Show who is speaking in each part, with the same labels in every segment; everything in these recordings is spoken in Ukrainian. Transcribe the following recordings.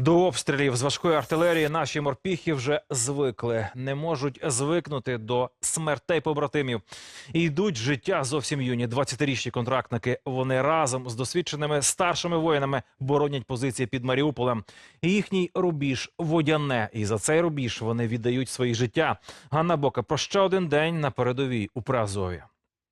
Speaker 1: До обстрілів з важкої артилерії наші морпіхи вже звикли. Не можуть звикнути до смертей побратимів. І йдуть з життя зовсім юні 20-річні контрактники. Вони разом з досвідченими старшими воїнами боронять позиції під Маріуполем. І їхній рубіж – Водяне. І за цей рубіж вони віддають свої життя. Ганна Бока про ще один день на передовій у Приазові.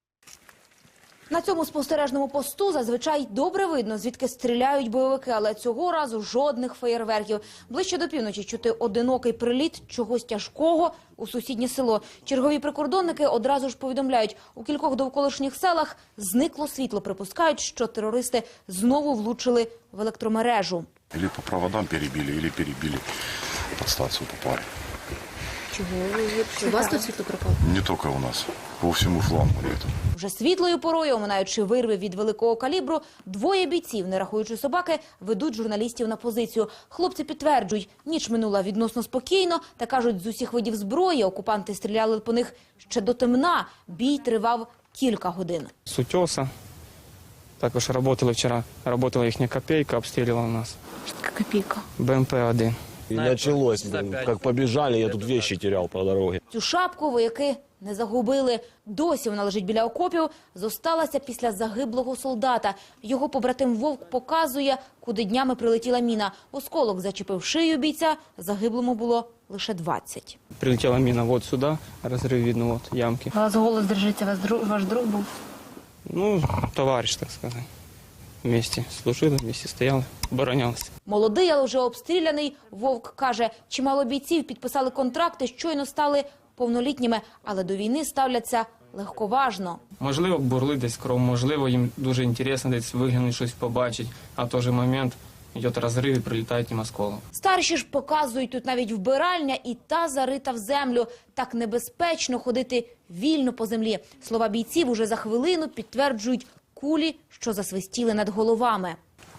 Speaker 2: На цьому спостережному посту зазвичай добре видно, звідки стріляють бойовики, але цього разу жодних феєрверків. Ближче до півночі чути одинокий приліт чогось тяжкого у сусіднє село. Чергові прикордонники одразу ж повідомляють, у кількох довколишніх селах зникло світло. Припускають, що терористи знову влучили в електромережу.
Speaker 3: Или по проводам перебили, или перебили подстанцию попали.
Speaker 2: Чого? У вас тут світло пропало?
Speaker 3: Не только у нас, по всему флангу нету.
Speaker 2: Вже світлою порою, оминаючи вирви від великого калібру, двоє бійців, не рахуючи собаки, ведуть журналістів на позицію. Хлопці підтверджують, ніч минула відносно спокійно, та кажуть, з усіх видів зброї окупанти стріляли по них ще до темна. Бій тривав кілька годин.
Speaker 4: С утеса. Також працювали вчора. Працювала їхня копейка, обстрілювала нас.
Speaker 2: Копійка.
Speaker 4: БМП-1.
Speaker 5: И началось, как побежали, я тут вещи терял по дороге.
Speaker 2: Цю шапку вояки не загубили. Досі вона лежить біля окопів. Зосталася після загиблого солдата. Його побратим Вовк показує, куди днями прилетіла міна. Осколок зачепив шию бійця, загиблому було лише 20.
Speaker 4: Прилетіла міна вот сюди, розрив видно, вот ямки.
Speaker 2: У вас голос держиться, ваш друг був?
Speaker 4: Ну, товариш, так сказати. Вместе служили, вместе стояли, оборонялися.
Speaker 2: Молодий, але вже обстріляний, Вовк каже, чимало бійців підписали контракти, щойно стали повнолітніми, але до війни ставляться легковажно.
Speaker 4: Можливо, бурли десь кров, можливо, їм дуже інтересно десь виглянути, щось побачити, а в той же момент йде розрив і прилітає їм осколок.
Speaker 2: Старші ж показують, тут навіть вбиральня і та зарита в землю. Так небезпечно ходити вільно по землі. Слова бійців уже за хвилину підтверджують кулі, що засвистіли над головами.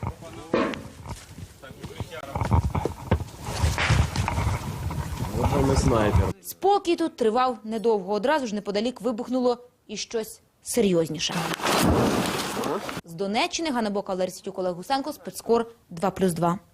Speaker 5: Вот снайпер.
Speaker 2: Спокій тут тривав недовго. Одразу ж неподалік вибухнуло і щось серйозніше. З Донеччини Ганна Бока, Валерій Ситюк, Олег Гусенко, Спецкор 2+2.